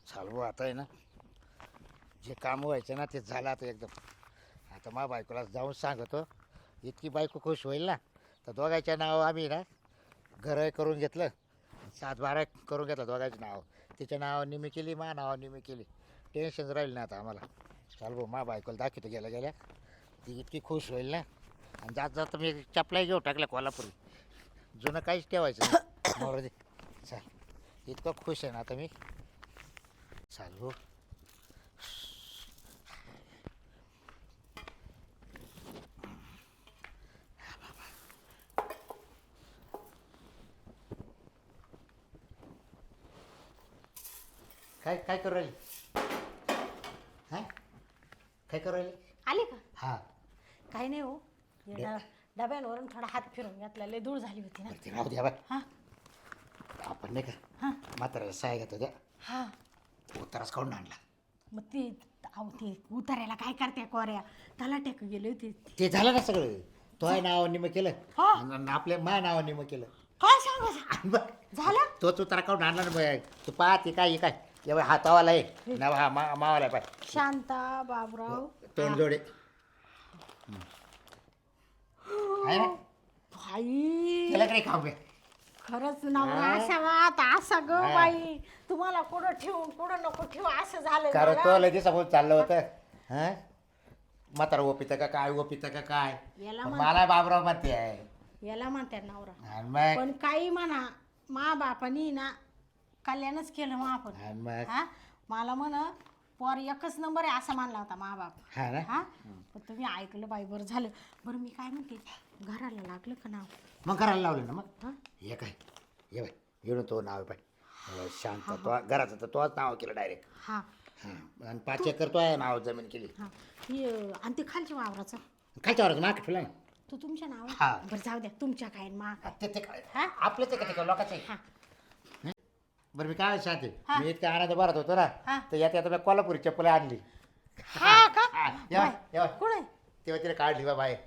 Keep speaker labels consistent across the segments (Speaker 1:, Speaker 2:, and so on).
Speaker 1: चालू आता आहे ना, जे काम व्हायचं ना ते झालं आता एकदम. आता मा बायकोला जाऊन सांगतो, इतकी बायको खुश होईल ना. तर दोघांच्या नाव आम्ही ना घर करून घेतलं, 7-12 करून घेतलं दोघांचं नाव. तिच्या नावावर निमी केली, मा नावावर निमी केली. टेन्शन राहील ना आता आम्हाला. चाल भाऊ, मा बायकोला दाखवतो गेल्या गेल्या, ती इतकी खुश होईल ना. आणि जात जात मी चपलाही घेऊ टाकल्या कोल्हापुरी, जुनं काहीच ठेवायचं नाही. मोर दे चाल, इतकं खुश आहे ना आता मी. चाल भाऊ. काय काय करू राहिली? हां, काय करू राहिली?
Speaker 2: आले का?
Speaker 1: हां,
Speaker 2: काही नाही हो, या डब्यांवरून थोडा हात फिरून घातला, लय धूळ झाली होती ना.
Speaker 1: ते राहू द्या बाय.
Speaker 2: हा
Speaker 1: आपण नाही का
Speaker 2: हा
Speaker 1: म्हाताऱ्याला साय घेतो द्या,
Speaker 2: हा
Speaker 1: उताराच काढून आणला.
Speaker 2: मग ते अहो ते उतारायला काय करते कोऱ्या, त्याला टेक गेले होते.
Speaker 1: ते झालं ना सगळं. तो आहे नावावर निम केलं
Speaker 2: हा.
Speaker 1: आणि आपल्या मा नावावर निम केलं.
Speaker 2: काय सांगायचं
Speaker 1: आणि बघ,
Speaker 2: झालं?
Speaker 1: तोच उतारा काढून आणला ना बाय. तू पाहते काय काय एवढा हातावाला आहे ना, हा मावाला आहे पाय.
Speaker 2: शांता बाबराव
Speaker 1: तोंड जोडे आहे ना.
Speaker 2: भाई
Speaker 1: त्याला काही खाऊ घ्या.
Speaker 2: खरंच नवरा
Speaker 1: हा.
Speaker 2: असावा आता असा ग
Speaker 1: हा.
Speaker 2: बाई. तुम्हाला कुठं ठेवून कुठं नको ठेवू असं झालं
Speaker 1: कारण
Speaker 2: मला.
Speaker 1: तो लगेच समोर चाललं होतं. हा, म्हातारा ओपितं का काय, ओपितं का काय.
Speaker 2: याला
Speaker 1: पण
Speaker 2: म्हण-
Speaker 1: मला बाबराव म्हणते आहे.
Speaker 2: याला म्हणतात नवरा.
Speaker 1: आणि मग
Speaker 2: पण काही म्हणा, मा बापानी ना कल्याणच केलं मग आपण.
Speaker 1: आणि मग
Speaker 2: हा मला म्हण पोर एकच नंबर आहे असं मानला होता मा बाप.
Speaker 1: हा ना.
Speaker 2: हा पण तुम्ही ऐकलं बाई, बरं झालं. बरं मी काय म्हणते, घराला लागलं का नाव?
Speaker 1: मग करायला लावलं ना. मग
Speaker 2: हा
Speaker 1: हे काय, ये बाय, येऊन तो नाव आहे पाय शांत. तो घराचं तर तोच नाव केलं डायरेक्ट.
Speaker 2: हा
Speaker 1: हां, आणि 5 एकर तो आहे नाव जमीन केली.
Speaker 2: हा ही आणि ते खालच्या वावराचं
Speaker 1: खायच्या वरच माग ठेवला ना.
Speaker 2: तो तुमच्या नाव
Speaker 1: हा.
Speaker 2: बरं जाऊ द्या, तुमच्या काय मा काय.
Speaker 1: ते काय
Speaker 2: हा?
Speaker 1: आपलंच आहे का ते काय लोकांचं आहे?
Speaker 2: हा
Speaker 1: बरं मी काय सांगते,
Speaker 2: हा.
Speaker 1: मी इतका आनंद भरत होतो ना,
Speaker 2: हा.
Speaker 1: तर यात आता मी कोल्हापुरी चप्पल आणली.
Speaker 2: हा का?
Speaker 1: हा, येवा, येवा.
Speaker 2: कोण आहे?
Speaker 1: तेव्हा तिला काढली बा बाय.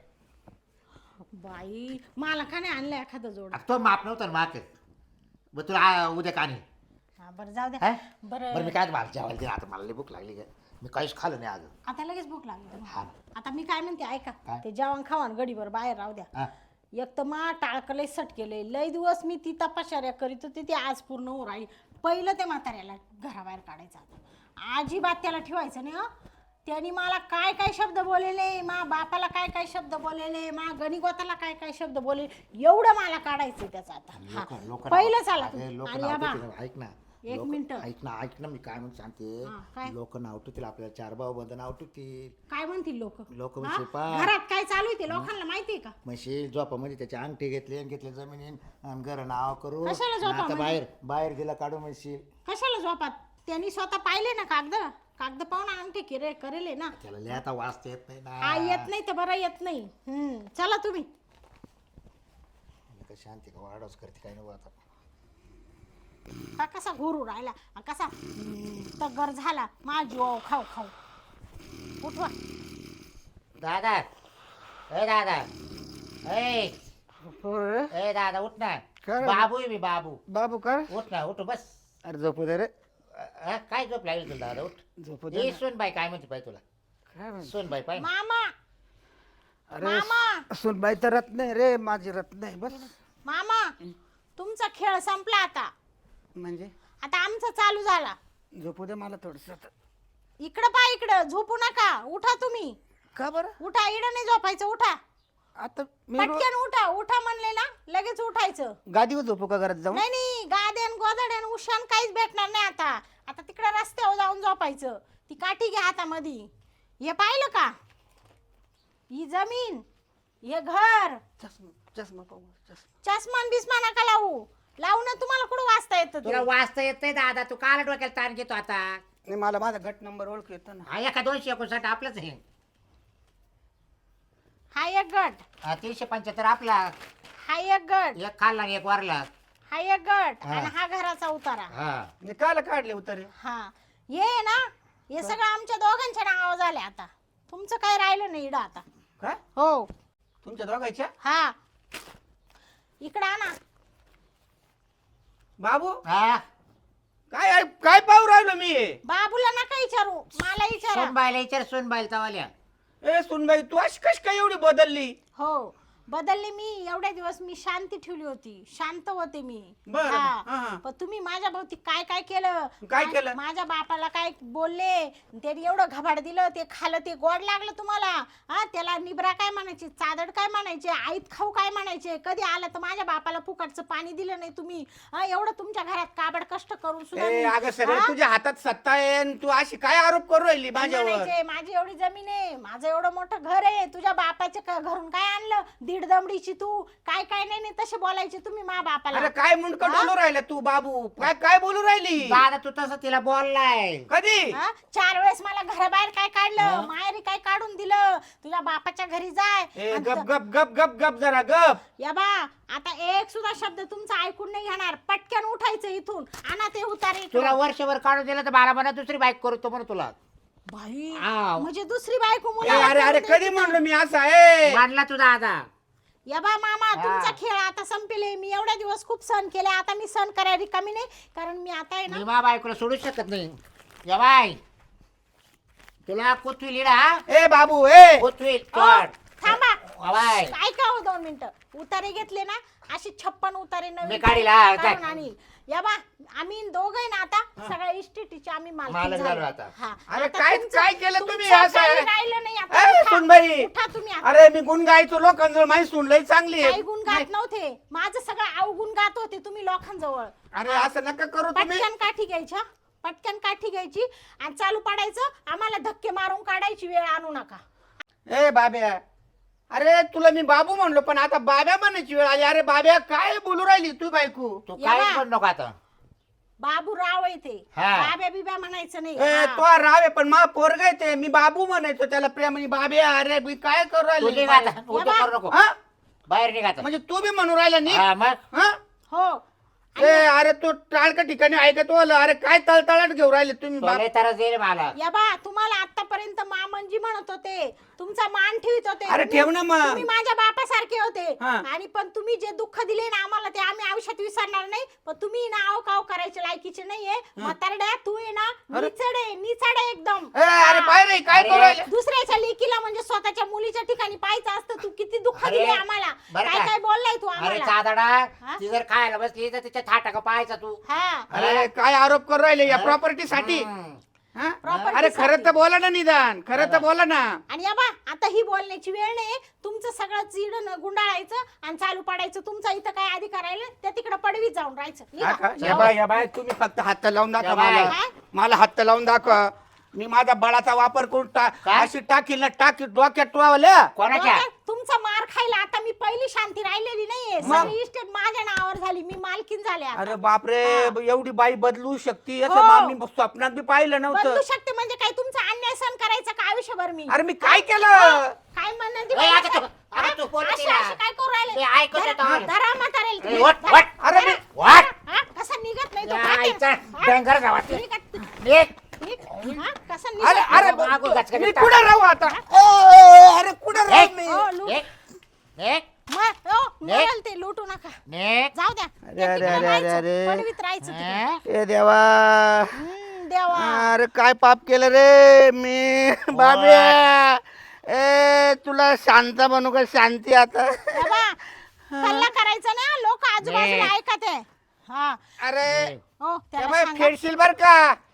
Speaker 2: बाई मला का नाही आणलं एखादं जोड?
Speaker 1: तो माप नव्हता ना माक. मग तुला उद्या का आणली?
Speaker 2: हा बरं जाऊ
Speaker 1: हा?
Speaker 2: द्या.
Speaker 1: बरं
Speaker 2: बरं
Speaker 1: मी काय मला जेवायला दिलं. आता मला लई भूक लागली का, मी काहीच खाल्लं नाही अजून.
Speaker 2: आता लगेच भूक लागली तुम्हाला.
Speaker 1: हा.
Speaker 2: आता मी काय म्हणते ऐका,
Speaker 1: काय?
Speaker 2: ते जेवण खावण गडीवर बाहेर राहू द्या.
Speaker 1: हा.
Speaker 2: एक तर मा टाळकं लय सट केलंय, लय दिवस मी ती तपाशाऱ्या करीत होते, ती आज पूर्ण होऊ राहिली. पहिलं ते म्हाताऱ्याला घराबाहेर काढायचं, आता अजिबात त्याला ठेवायचं नाही. त्यांनी मला काय काय शब्द बोललेले, मा बापाला काय काय शब्द बोललेले, मा गणिगोताला काय काय शब्द बोलले, एवढं मला काढायचं त्याचं आता. हा. पहिलं चाला तुम्ही. आणि या बा,
Speaker 1: ऐक ना,
Speaker 2: एक मिनिटं.
Speaker 1: ऐक ना मी काय म्हणून सांगते.
Speaker 2: हा, काय?
Speaker 1: लोक नाव ठेवतील आपल्याला, 4 भाऊ बंद नाव ठेवतील.
Speaker 2: काय म्हणतील लोक?
Speaker 1: लोक म्हणतील पा
Speaker 2: घरात काय चालू आहे ते लोकांना माहितीये का?
Speaker 1: म्हशी झोपामध्ये त्याचे अंगठी घेतले जमिनीन आणि घर नाव करू.
Speaker 2: कशाला
Speaker 1: आणि
Speaker 2: झोपामध्ये?
Speaker 1: आता बाहेर बाहेर गेला काढू म्हणशील.
Speaker 2: कशाला झोपात? त्यांनी स्वतः पाहिले ना कागद पाहून अंगठी करेल ना.
Speaker 1: त्याला लिहायचा वाचता येत नाही
Speaker 2: हा
Speaker 1: ना.
Speaker 2: येत नाही तर बरं येत नाही. चला तुम्ही.
Speaker 1: शांती का वाढच करते काय नको आता.
Speaker 2: हा कसा घोरू राहिला, हा कसा तगर झाला. माझी खाऊ खाऊ उठवा.
Speaker 1: दादा, ए दादा, ए दादा उठ ना.
Speaker 3: काय रे?
Speaker 1: बाबू आहे मी, बाबू.
Speaker 3: बाबू कर.
Speaker 1: उठ ना, उठ बस.
Speaker 3: अरे झोपू दे रे.
Speaker 1: काय झोप लागली तुला दादा? उठ.
Speaker 3: झोपू दे
Speaker 1: ए
Speaker 3: ना.
Speaker 1: सोनबाई काय म्हणते पाय तुला?
Speaker 3: काय म्हणते?
Speaker 1: सोनबाई पाय.
Speaker 2: मामा
Speaker 3: अरे
Speaker 2: मामा.
Speaker 3: सुनबाई तर रत नाही रे, माझी रत नाही. बस
Speaker 2: मामा तुमचा खेळ संपला आता.
Speaker 3: म्हणजे
Speaker 2: आता आमचा चालू झाला.
Speaker 3: झोपू दे मला थोडस.
Speaker 2: इकडं पा, इकडं झोपू नका. उठा तुम्ही.
Speaker 3: का बरं?
Speaker 2: उठा, इकडं नाही झोपायचं. उठा
Speaker 3: आता मी
Speaker 2: पटकन उठा. उठा म्हणले ना लगेच उठायचं.
Speaker 3: गादीवर झोपू का घरात जाऊन?
Speaker 2: नाही नाही, गाद्यान गोदड्यान उशान काहीच भेटणार नाही आता. आता तिकडे रस्त्यावर जाऊन झोपायचं. ती काठी घ्या हातामध्ये. हे पाहिलं का, ही जमीन, हे घर,
Speaker 3: चष्मा चष्मा पाहू चष्मा.
Speaker 2: चष्मान बिस्मा नका लावू. लावू ना, तुम्हाला कुठं वाचता येतं
Speaker 1: तुला
Speaker 2: ते?
Speaker 1: वाचता येत नाही दादा, तू काल डोक्याला ताण घेतो आता.
Speaker 3: नाही मला माझा गट नंबर ओळख येतो ना.
Speaker 1: हा एका 259 आपलंच आहे.
Speaker 2: हा एक गट,
Speaker 1: हा, 375 आपला.
Speaker 2: हा एक गट,
Speaker 1: एक खाल्ला आणि एक वारला.
Speaker 2: हा एक गट,
Speaker 1: हा.
Speaker 2: आणि हा घराचा उतारा.
Speaker 1: हा.
Speaker 3: मी काल काढले उतारे.
Speaker 2: हा ये ना, हे सगळं आमच्या दोघांच्या नावावर झाले आता. तुमचं काय राहिलं नाही इकडं आता.
Speaker 3: काय
Speaker 2: हो.
Speaker 3: तुमच्या दोघांच्या?
Speaker 2: हा इकडं आणा.
Speaker 3: बाबू
Speaker 1: हा.
Speaker 3: काय काय पाहू राहिलो मी हे?
Speaker 2: बाबूला नका विचारू, मला विचारा.
Speaker 1: सोनबाईला विचार, सोनबाईला तवाल्या.
Speaker 3: ए सुनबाई तू अशी कशी काय एवढी बदलली?
Speaker 2: हो बदलले मी. एवढ्या दिवस मी शांती ठेवली होती, शांत होते मी.
Speaker 3: बरं,
Speaker 2: हा.
Speaker 3: हा.
Speaker 2: पण तुम्ही माझ्या भोवती काय काय केलं?
Speaker 3: काय केलं?
Speaker 2: माझ्या बापाला काय बोलले, त्याने एवढं घबाड दिलं, ते खाल्लं, ते गोड लागलं तुम्हाला. हा त्याला निबरा काय म्हणायचे, चादड काय म्हणायचे, आईत खाऊ काय म्हणायचे. कधी आलं तर माझ्या बापाला फुकटचं पाणी दिलं नाही तुम्ही. हा एवढं तुमच्या घरात काबड कष्ट करून सुद्धा
Speaker 3: ए
Speaker 2: मी-
Speaker 3: अगं सगळं
Speaker 2: हा?
Speaker 3: तुझ्या हातात सत्ता आहे आणि तू अशी काय आरोप करू राहिली माझ्यावर?
Speaker 2: म्हणायचे, माझी एवढी जमीन आहे, माझं एवढं मोठं घर आहे, तुझ्या बापाच्या घरून काय आणलं, दीड दमडीची तू काय काय नाही तसे बोलायचे तुम्ही मा बापाला.
Speaker 3: अरे काय मुंडकं डोलू राहिला तू बाबू? काय काय बोलू राहिली?
Speaker 1: दादा तू तसं तिला बोललाय.
Speaker 3: कधी?
Speaker 2: हा? 4 वेळेस मला घराबाहेर काय काढलं, माहेरी काय काढून दिलं. तुझ्या बापाच्या घरी जाय.
Speaker 3: ए
Speaker 2: आणि
Speaker 3: गप गप गप गप गप जरा गप.
Speaker 2: या बा आता एक सुद्धा शब्द तुमचा ऐकून नाही घेणार. पटकन उठायचं इथून, आणा ते उतारे इकडं.
Speaker 1: तुला वर्षभर काढून दिलं तर मला म्हणा दुसरी बाईक करू तो म्हणून तुला
Speaker 2: बाई
Speaker 1: आव.
Speaker 2: म्हणजे दुसरी बायको
Speaker 3: ए,
Speaker 2: मुलाला
Speaker 3: अरे अरे
Speaker 2: करून
Speaker 3: कधी म्हणलो मी असं आहे?
Speaker 1: मानला तू दादा.
Speaker 2: या बा मामा तुमचा खेळ आता संपले. मी एवढ्या दिवस खूप सहन केले, आता मी सहन करायला कमी नाही. कारण मी आता आहे
Speaker 1: मी
Speaker 2: ना
Speaker 1: मा बायकोला सोडू शकत नाही. या बाय तुला कुठवी लिडा
Speaker 3: ए बाबू ए
Speaker 1: कुठवी
Speaker 2: अहो, थांबा
Speaker 1: बाय
Speaker 2: ऐका हो 2 मिनिटं. उतारे घेतले ना, अशी 56 उतारे
Speaker 1: मी
Speaker 2: नवीन
Speaker 1: काढील, हा, काय?
Speaker 2: काढून आणील. या बा आम्ही दोघे ना आता सगळ्या इस्टेटीचे आम्ही
Speaker 1: मालक
Speaker 2: मालक
Speaker 1: झालो
Speaker 2: झालो
Speaker 1: आता.
Speaker 2: हा.
Speaker 3: अरे
Speaker 2: आता
Speaker 3: काय
Speaker 2: तुमचं-
Speaker 3: काय केलं तुम्ही
Speaker 2: तुमचं
Speaker 3: असं?
Speaker 2: काही राहिलं नाही आता.
Speaker 3: ए
Speaker 2: उठा.
Speaker 3: सुनबाई
Speaker 2: उठा तुम्ही आता.
Speaker 3: अरे मी गुण गायचो लोकांजवळ माझी सुनलंय चांगली आहे.
Speaker 2: काही गुण गात नव्हते, माझं सगळं अवगुण गात होते तुम्ही लोकांजवळ.
Speaker 3: अरे असं नका करू तुम्ही.
Speaker 2: पटकन काठी घ्यायच्या, पटकन काठी घ्यायची आणि चालू पाडायचं. आम्हाला धक्के मारून काढायची वेळ आणू नका.
Speaker 3: ए बाब्या अरे तुला मी बाबू म्हणलो पण आता बाब्या म्हणायची वेळ आली. अरे बाब्या काय बोलू राहिली तू बायको?
Speaker 1: तू
Speaker 2: या
Speaker 1: काय
Speaker 2: बा.
Speaker 1: पण नको आता.
Speaker 2: बाबू राव येते,
Speaker 1: हा.
Speaker 2: बाब्या बिब्या म्हणायचं नाही.
Speaker 3: ए
Speaker 2: हा.
Speaker 3: तो राव आहे पण मा पोरगा आहे ते. मी बाबू म्हणायचो त्याला प्रेमाने. बाब्या अरे मी काय करू
Speaker 1: तू
Speaker 3: राहिली?
Speaker 1: निघ आता. उद्या
Speaker 2: बा.
Speaker 1: करू नको.
Speaker 3: हा?
Speaker 1: बाहेर निघ आता.
Speaker 3: म्हणजे तू बी म्हणू राहिला नी?
Speaker 1: हा, मग
Speaker 3: हा?
Speaker 2: हो
Speaker 3: ए अरे तू टाळका ठिकाणी ऐकतो आलं. अरे काय तळतळाट घेऊ राहिले तुम्ही बाप?
Speaker 1: तुला तरच देईल मला.
Speaker 2: या बा तुम्हाला आतापर्यंत मामनजी म्हणत होते, तुमचा मान ठेवित होते.
Speaker 3: अरे ठेव ना मग.
Speaker 2: तुम्ही माझ्या बापासारखे होते.
Speaker 3: हा.
Speaker 2: आणि पण तुम्ही जे दुःख दिले ना आम्हाला ते आम्ही आयुष्यात विसरणार नाही. पण तुम्ही ना आव काव करायचे लायकीचे नाहीये. म्हातारड्या तू आहे ना निचड आहे एकदम.
Speaker 3: ए अरे
Speaker 2: हा.
Speaker 3: पाय रे काय
Speaker 1: अरे.
Speaker 3: करू राहिले?
Speaker 2: दुसऱ्याच्या लेकीला म्हणजे स्वतःच्या मुलीच्या ठिकाणी पाहायचं असतं. तू किती दुःख
Speaker 1: अरे,
Speaker 2: दिले आम्हाला.
Speaker 1: बरं
Speaker 2: काय
Speaker 1: का?
Speaker 2: काय बोललाय तू
Speaker 1: अरे
Speaker 2: आम्हाला.
Speaker 1: चादडा
Speaker 2: हा?
Speaker 1: ती जर खायला बसली तर तिच्या थाटा का पाहायचा तू.
Speaker 2: हा
Speaker 3: अरे काय आरोप करू राहिले या
Speaker 1: हा?
Speaker 3: प्रॉपर्टी साठी?
Speaker 1: हम्म.
Speaker 3: हा?
Speaker 2: Property
Speaker 3: अरे खरं
Speaker 2: साठी.
Speaker 3: तर बोला ना निदान. खरं तर बोला ना.
Speaker 2: आणि या बा आता ही बोलण्याची वेळ नाही. तुमचं सगळं चिड गुंडाळायचं आणि चालू पाडायचं. तुमचा इथं काय अधिकार आहे त्या तिकडे पडवीत जाऊन राहायचं.
Speaker 3: हा का?
Speaker 2: निघा.
Speaker 3: या बाय तुम्ही फक्त हात लावून दाखवा
Speaker 1: या बाय.
Speaker 3: मला.
Speaker 2: काय?
Speaker 3: मला हात लावून दाखवा. मी माझ्या बळाचा वापर करून
Speaker 1: काय?
Speaker 3: अशी टाकील ना टाकी डोक्यात टोवल्या.
Speaker 1: कोणाच्या
Speaker 2: डोक्यात तुमचा मार खायला आता मी पहिली शांती राहिलेली नाहीये.
Speaker 3: मग?
Speaker 2: सगळी इस्टेट माझ्या नावावर झाली. मी मालकीन झाले आता.
Speaker 3: अरे बापरे
Speaker 2: हा.
Speaker 3: एवढी बाई बदलू शकते
Speaker 2: हो.
Speaker 3: असं मी स्वप्नात बी पाहिलं
Speaker 2: बदलू
Speaker 3: नव्हतं.
Speaker 2: शकते म्हणजे काय तुमचा अन्याय सहन करायचा का आयुष्यभर मी?
Speaker 3: अरे मी काय केलं?
Speaker 2: काय म्हणणं ती
Speaker 1: ए, आता
Speaker 2: बाई?
Speaker 1: तू- आता तू बोलत
Speaker 2: अशी-
Speaker 1: तिला.
Speaker 2: अशी काय करू राहिले?
Speaker 1: ते ऐकत
Speaker 2: धरा-
Speaker 1: येतं आम्हाला.
Speaker 2: धरा म्हातारेल
Speaker 1: ए,
Speaker 2: तुम्ही.
Speaker 1: वट,
Speaker 2: धरा.
Speaker 1: वट.
Speaker 3: अरे
Speaker 2: धरा.
Speaker 3: मी-
Speaker 1: वट.
Speaker 2: हा? कसं निघत नाही तो
Speaker 1: या
Speaker 2: खाते.
Speaker 1: आईचा
Speaker 2: हा?
Speaker 1: डंगर गावात.
Speaker 2: निघत-
Speaker 1: निघ.
Speaker 2: निघ. हा? कसं
Speaker 3: अरे
Speaker 2: निघत
Speaker 3: अरे
Speaker 2: नाही?
Speaker 1: मागं गचका
Speaker 3: मी
Speaker 1: निघता.
Speaker 3: कुठं राहू आता? अरे कुठं राहू
Speaker 1: निघ.
Speaker 3: मी?
Speaker 2: हो, लूट.
Speaker 1: निघ. निघ.
Speaker 2: मग, हो, मरेल ते लुटू नका.
Speaker 1: निघ.
Speaker 2: जाऊ द्या.
Speaker 3: अरे,
Speaker 2: त्या
Speaker 3: अरे,
Speaker 2: तिकडे
Speaker 3: अरे,
Speaker 2: राहायचं.
Speaker 3: अरे.
Speaker 2: पडवीत राहायचं तिकडे.
Speaker 1: हा?
Speaker 3: ए देवा.
Speaker 2: देवा.
Speaker 3: अरे काय पाप केलं रे मी बाबे. ए तुला शांत बनू का शांती आता?
Speaker 2: देवा. हल्ला करायचा ना लोक आजूबाजूला
Speaker 1: नाही.
Speaker 2: ऐकत आहे. हा
Speaker 3: अरे
Speaker 2: हो त्याला
Speaker 3: त्यामुळे
Speaker 2: सांगा.
Speaker 3: फेडशील बर का?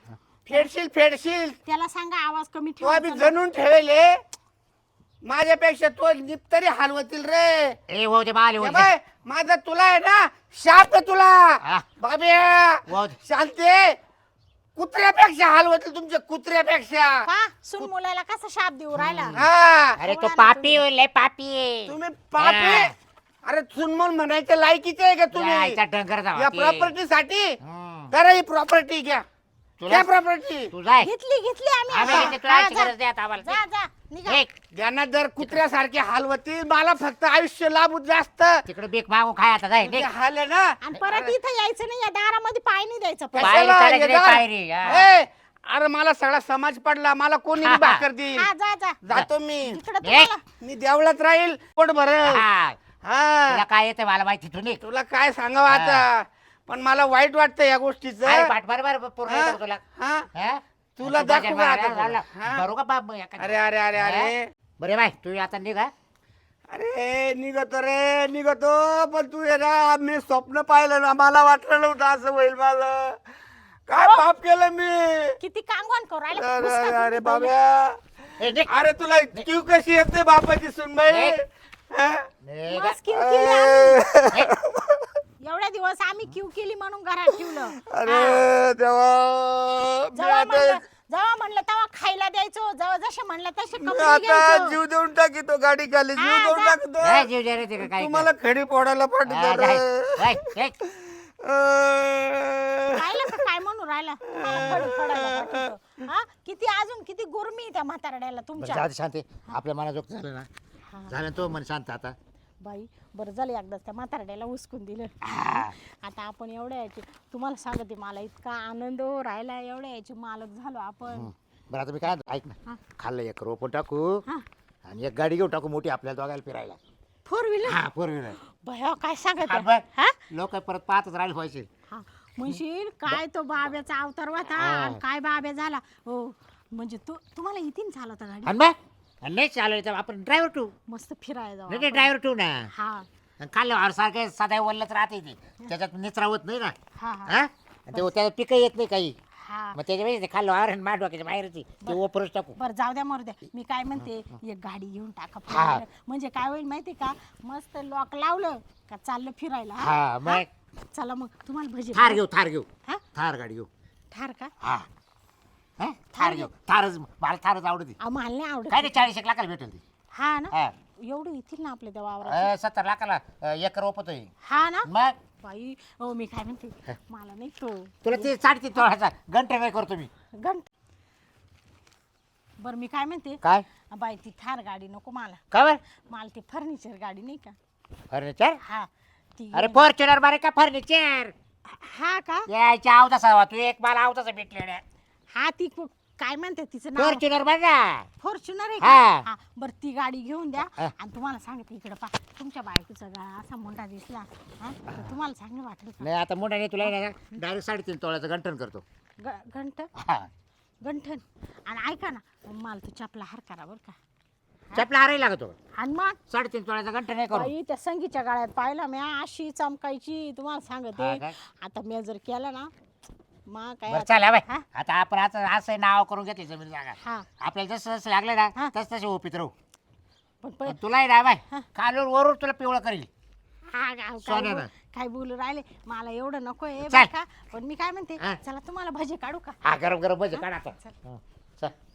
Speaker 3: फेडशील
Speaker 2: त्याला सांगा आवाज कमी
Speaker 3: तू आम्ही
Speaker 2: ठेवायचा.
Speaker 3: जणून ठेवले. माझ्यापेक्षा तो निपतरी हलवतील रे.
Speaker 1: ए हो ते माले हो
Speaker 3: ए
Speaker 1: ते.
Speaker 3: बाय, माझा तुला आहे ना शाप आहे तुला
Speaker 1: हा.
Speaker 3: बाबे.
Speaker 1: वाह.
Speaker 3: शांती कुत्र्यापेक्षा हलवतील तुमच्या कुत्र्यापेक्षा.
Speaker 2: का सुन मुलाला कसा शाप देऊ राहिला.
Speaker 3: हा
Speaker 1: अरे तो पापी होईल लय पापी आहे.
Speaker 3: तुम्ही पापे.
Speaker 1: हा.
Speaker 3: अरे चुनमून म्हणायचं लायकीचे आहे का
Speaker 1: या
Speaker 3: तुम्ही?
Speaker 1: आईचा डंगर
Speaker 3: या
Speaker 1: गावात.
Speaker 3: प्रॉपर्टी साठी
Speaker 1: हम्म.
Speaker 3: करा ही प्रॉपर्टी घ्या.
Speaker 1: तुला-
Speaker 3: घ्या प्रॉपर्टी.
Speaker 1: तू जाय.
Speaker 2: घेतली आम्ही
Speaker 1: आम्ही
Speaker 2: आता.
Speaker 1: घेतली, तुला
Speaker 2: हा,
Speaker 1: याची
Speaker 2: जा.
Speaker 1: गरज नाही आता आम्हाला.
Speaker 2: जा जा निघा.
Speaker 1: निघ.
Speaker 3: ज्यांना जर कुत्र्यासारखे हलवतील मला फक्त आयुष्य लाभू जास्त.
Speaker 1: तिकडे बीक मागून खाय आता जाय.
Speaker 3: तुझे
Speaker 1: निघ.
Speaker 3: हाल आहे ना.
Speaker 2: आणि परत इथं यायचं नाही. या दारामध्ये पाय नाही द्यायचं परत.
Speaker 1: पायरी
Speaker 3: कशाला
Speaker 1: चालायची नाही,
Speaker 3: येणार?
Speaker 1: पायरी, हा.
Speaker 3: ए, अरे मला सगळा समाज पडला. मला कोणी
Speaker 1: हा,
Speaker 3: बी
Speaker 1: हा.
Speaker 3: भाकर देईल.
Speaker 2: हा जा जा
Speaker 3: जातो मी.
Speaker 2: इकडं
Speaker 1: निघ.
Speaker 2: तुम्हाला
Speaker 3: मी देवळात राहील पोट भरल.
Speaker 1: हा. तुला
Speaker 3: हा
Speaker 1: काय येतं मला माहिती तू निघ.
Speaker 3: तुला काय सांगावं आता? पण मला वाईट वाटतं या गोष्टीचं.
Speaker 1: अरे पाठ बरोबर पूर्ण
Speaker 3: हा?
Speaker 1: येतं तुला
Speaker 3: हा?
Speaker 1: हा?
Speaker 3: तुला
Speaker 1: तू
Speaker 3: दाखवू का आता
Speaker 1: माझ्या
Speaker 3: तुला? हा?
Speaker 1: बरोबर बाप मग एखादी.
Speaker 3: अरे अरे अरे अरे
Speaker 1: बरे बाय तू आता निघा.
Speaker 3: अरे निघतो पण तू ये ना, मी स्वप्न पाहिलं ना, मला वाटलं नव्हतं असं होईल. माझं काय पाप केलं मी.
Speaker 2: किती कांगवान करू राहिला.
Speaker 3: अरे
Speaker 2: घुसका
Speaker 3: अरे अरे
Speaker 2: तुम्ही
Speaker 3: बाब्या,
Speaker 1: ए, निघ.
Speaker 3: अरे तुला क्यू कशी येते बापाची सुनबाई. हा?
Speaker 2: पहिले.
Speaker 1: निघा.
Speaker 2: मस्त क्यू केली आम्ही. एवढ्या दिवस आम्ही क्यू केली म्हणून घरात ठेवलं.
Speaker 3: अरे देवा, मी
Speaker 2: जेव्हा म्हणलं तेव्हा खायला द्यायचो, जेव्हा जसे म्हणलं तसे
Speaker 3: मी
Speaker 2: कपडे
Speaker 3: आता
Speaker 2: घ्यायचो.
Speaker 3: जीव देऊन टाकीतो, गाडी खाली जीव
Speaker 2: हा,
Speaker 3: देऊन
Speaker 2: जा.
Speaker 3: टाकतो.
Speaker 1: काय जीव द्या रे तिकडे काय
Speaker 3: तुम्हाला खडी फोडायला पाठवतो रे.
Speaker 2: राहिलं का काय म्हणून राहिला तुम्हाला खडी फोडायला पाठवतो. हा? किती अजून किती गुरमी आहे त्या म्हातारड्याला तुमच्या.
Speaker 1: जाऊ दे शांती आपल्या मनाजोग झालं ना झालं तो मन शांत आता.
Speaker 2: बाई बरं झालं एकदाच त्या म्हातारड्याला उचकून दिलं.
Speaker 1: हा.
Speaker 2: आता आपण एवढ्या याचे तुम्हाला सांगते मला इतका आनंद हो राहिला. एवढ्या याचे मालक झालो आपण.
Speaker 1: बरं आता मी काय ऐक
Speaker 2: हा.
Speaker 1: ना खाल्लं एक रोपण टाकू
Speaker 2: हा.
Speaker 1: आणि एक गाडी घेऊन टाकू मोठी आपल्याला दोघायला फिरायला.
Speaker 2: 4 व्हीलर
Speaker 1: हा 4 व्हीलर.
Speaker 2: भया काय सांगत
Speaker 1: हा,
Speaker 2: आहे?
Speaker 1: बरं.
Speaker 2: हा?
Speaker 1: लोक परत पाहतच राहिले व्हायचे.
Speaker 2: हा म्हणशील काय तो बाब्याचा अवतार होता
Speaker 1: हा.
Speaker 2: आणि काय बाब्या झाला. हो म्हणजे तुम्हाला इथून चालवता गाडी.
Speaker 1: आणि मग आणि नाही चालू तर आपण ड्रायव्हर टू
Speaker 2: मस्त फिरायला जाऊ
Speaker 1: नाही
Speaker 2: आपण.
Speaker 1: ड्रायव्हर टू ना.
Speaker 2: हा
Speaker 1: आणि खाल्लं सारखं सदा वल्लच राहते ते त्याच्यात निचरावत नाही ना.
Speaker 2: हा हा
Speaker 1: हा आणि ते त्याला पिकं येत नाही काही
Speaker 2: हा
Speaker 1: मग त्याच्यावेळेस ते खाल्लं आर माठ डोक्याच्या बाहेरची ते ओपरच टाकू.
Speaker 2: बरं जाऊ द्या मरू द्या. मी काय म्हणते एक गाडी घेऊन टाका
Speaker 1: हा.
Speaker 2: फिरायला. म्हणजे काय होईल माहिती का मस्त लॉक लावलं का चाललं फिरायला.
Speaker 1: हा मग
Speaker 2: चला मग तुम्हाला भजी
Speaker 1: थार घेऊ
Speaker 2: हा?
Speaker 1: थार गाडी घेऊ.
Speaker 2: ठार का
Speaker 1: हा हा? थार घेऊ थारच मला थारच आवडते.
Speaker 2: आम्हाला नाही आवडत.
Speaker 1: काय नाही 40 लाखाला भेटेल ती.
Speaker 2: हा ना
Speaker 1: हा
Speaker 2: एवढं येतील ना आपल्या त्या वावरात.
Speaker 1: 70 लाखाला एकर रोपतोय.
Speaker 2: हा ना
Speaker 1: मग
Speaker 2: बाई हो मी काय म्हणते मला नाही तो
Speaker 1: तुला ते 3.5 तोळाचा घंटा नाही करतो मी.
Speaker 2: घंट बरं मी काय म्हणते
Speaker 1: काय
Speaker 2: बाई ती थार गाडी नको मला.
Speaker 1: का बरं
Speaker 2: मला ती फर्निचर गाडी नाही का.
Speaker 1: फर्निचर.
Speaker 2: हा ती
Speaker 1: अरे फॉर्च्युनर बारे का फर्निचर
Speaker 2: हा का
Speaker 1: यायच्या अवतासा तू एक मला अवतासा भेटले
Speaker 2: हा ती काय म्हणते तिचं नाव
Speaker 1: फॉर्च्युनर बघा.
Speaker 2: फॉर्च्युनर आहे
Speaker 1: हा.
Speaker 2: का. हा बरं ती गाडी घेऊन द्या.
Speaker 1: हा.
Speaker 2: आणि तुम्हाला सांगते इकडं पा तुमच्या बायकोचा गळा असा मोठा दिसला हा तर तुम्हाला चांगलं वाटेल का.
Speaker 1: नाही आता मोठा नाही तुला डायरेक्ट 3.5 तोळ्याचं गंठन करतो.
Speaker 2: घंट
Speaker 1: हा
Speaker 2: गंठन आणि ऐका ना मला तू चपला हार करा बरं का.
Speaker 1: चपला हाराही लागतो.
Speaker 2: आणि मग
Speaker 1: 3.5 तोळ्याचं गंठन नाही करू.
Speaker 2: बाई त्या संगीच्या गाळ्यात पाहिला मी अशी चमकायची तुम्हाला
Speaker 1: हा
Speaker 2: सांगते.
Speaker 1: काय?
Speaker 2: आता मी जर केलं ना मग काय
Speaker 1: बरं चला बाय
Speaker 2: हा?
Speaker 1: आता आपण असं नाव करून घेतले जमीन जागा.
Speaker 2: हा
Speaker 1: आपल्याला जसं जसं लागलं ना
Speaker 2: हा.
Speaker 1: तस तसे ओपीत राहू.
Speaker 2: पण
Speaker 1: पण तुलाही ना बाय कालून वरून तुला पिवळं करील. सोन्यानं.
Speaker 2: काय बोलू राहिले मला एवढं नको आहे
Speaker 1: चल.
Speaker 2: का. पण मी काय म्हणते
Speaker 1: हा.
Speaker 2: चला तुम्हाला भजे काढू का.
Speaker 1: हा गरम गरम भजे काढ आता.
Speaker 2: चल.
Speaker 1: हं, चल